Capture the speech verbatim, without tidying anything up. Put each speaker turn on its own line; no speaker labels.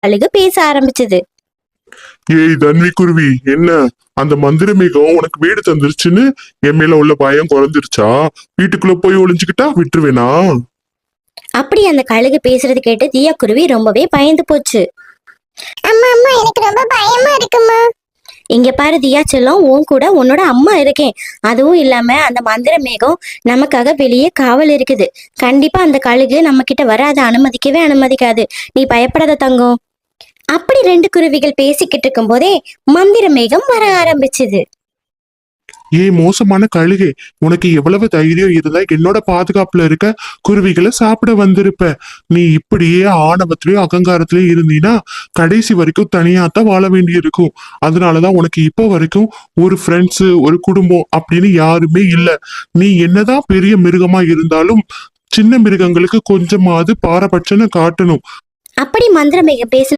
கழுகு பேச ஆரம்பிச்சது.
ஏய் தன்வி குருவி, என்ன அந்த மந்திர மேகம் உனக்கு வீடு தந்துருச்சுன்னு என் மேல உள்ள பயம் குறைஞ்சிருச்சா? வீட்டுக்குள்ள போய் ஒளிஞ்சுக்கிட்டா விட்டுருவேனா?
அப்படி அந்த கழுகு பேசுறது கேட்டு தியா குருவி ரொம்பவே பயந்து போச்சு.
அம்மா அம்மா எனக்கு ரொம்ப பயமா இருக்குமா.
இங்க பாரு தியா செல்லம், உன் கூட உன்னோட அம்மா இருக்கேன். அதுவும் இல்லாம அந்த மந்திர மேகம் நமக்காக வெளியே காவல் இருக்குது. கண்டிப்பா அந்த கழுகு நம்ம கிட்ட வர அதை அனுமதிக்கவே அனுமதிக்காது. நீ பயப்படாத தங்கம். அப்படி ரெண்டு குருவிகள் பேசிக்கிட்டு இருக்கும் போதே மந்திர மேகம் வர ஆரம்பிச்சது.
ஏய் மோசமான கழுகே, உனக்கு எவ்வளவு தைரியம் இருந்தா என்னோட பாதுகாப்புல இருக்க குருவிகளை சாப்பிட வந்திருப்ப. நீ இப்படியே ஆணவத்திலயும் அகங்காரத்திலயும் இருந்தீனா கடைசி வரைக்கும் தனியாத்தான் வாழ வேண்டி இருக்கும். அதனாலதான் உனக்கு இப்ப வரைக்கும் ஒரு ஃப்ரெண்ட்ஸ், ஒரு குடும்பம் அப்படின்னு யாருமே இல்ல. நீ என்னதான் பெரிய மிருகமா இருந்தாலும் சின்ன மிருகங்களுக்கு கொஞ்சமாவது பாரபட்சம்னு காட்டணும்.
அப்படி மந்திர மேகம் பேச